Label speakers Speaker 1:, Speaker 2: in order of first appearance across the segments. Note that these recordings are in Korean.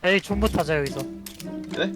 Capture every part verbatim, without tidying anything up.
Speaker 1: 에이 존버 타자 여기서.
Speaker 2: 네?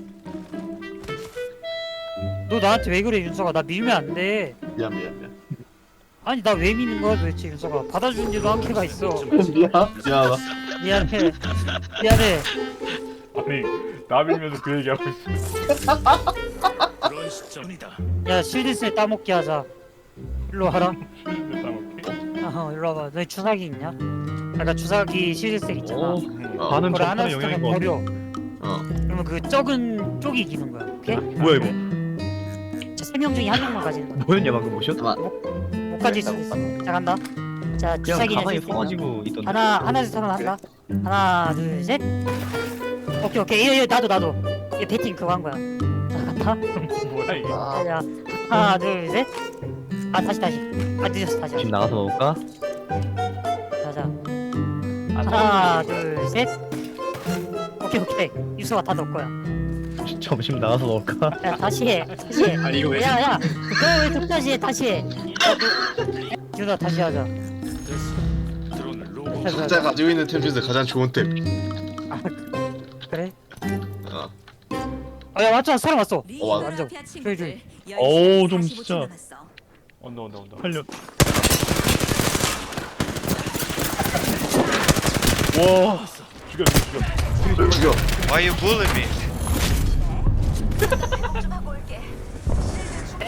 Speaker 1: 너 나한테 왜 그래 윤서가? 나 밀면 안 돼.
Speaker 2: 미안 미안 미안.
Speaker 1: 아니 나 왜 미는 거야 도대체 윤서가? 받아주는데도 한계가 있어.
Speaker 2: 미안 미안하다.
Speaker 1: 미안해. 미안해.
Speaker 3: 아니 나 밀면서 그 얘기하고 있어.
Speaker 4: 그런 시점이다.
Speaker 1: 야 실드세 따먹기 하자. 일로 와라.
Speaker 3: 따먹기.
Speaker 1: 어 일로 와봐. 너희 주사기 있냐? 아까 주사기 실드세 있잖아.
Speaker 5: 오,
Speaker 2: 어.
Speaker 5: 반은
Speaker 1: 그걸
Speaker 5: 전판의
Speaker 1: 하나씩
Speaker 5: 영향인 것 같아.
Speaker 1: 버려.
Speaker 2: 어.
Speaker 1: 그러면 그 적은 쪽이 이기는 거야. 오케이?
Speaker 5: 뭐야 이거?
Speaker 1: 세 명 중에 한 명만 가지는 거야.
Speaker 5: 뭐였냐 방금 모션?
Speaker 2: 잠깐만.
Speaker 1: 못 가질 수도 있어. 자 간다. 자
Speaker 5: 그냥
Speaker 1: 주사기는
Speaker 5: 가방에
Speaker 1: 쓸수 있나?
Speaker 5: 퍼가지고 있던데.
Speaker 1: 하나 하나 둘 셋 한다. 하나 둘 셋. 오케이 오케이. 이거 이거 나도 나도. 이거 배팅 그거 한 거야. 자 간다.
Speaker 3: 뭐야 이게?
Speaker 2: 아,
Speaker 1: 자 하나 둘 셋. 아 다시 다시. 아 늦었어 다시.
Speaker 5: 지금 나가서 먹을까?
Speaker 1: 자자. 하나 둘 셋. 오케이 오케이. 유서가 다 넣을 거야.
Speaker 5: 점심 나가서 먹을까?
Speaker 1: 야 다시 해. 다시 해.
Speaker 5: 아니 이거
Speaker 1: 야야. 너왜 독다시 해? 다시 해. 유나 다시 하자.
Speaker 4: 드론을 로봇.
Speaker 2: 각자 가지고 있는 템 중에서 가장 좋은 템.
Speaker 1: 그래?
Speaker 2: 어.
Speaker 1: 아야 맞잖아 사람 왔어.
Speaker 2: 어, 맞아.
Speaker 1: 완전. 조이, 조이.
Speaker 5: 어우, 좀 진짜.
Speaker 3: 온다 온다 온다.
Speaker 5: 살려. 와.
Speaker 3: 죽여 죽여 죽여.
Speaker 2: 죽여.
Speaker 6: Why you bullying me?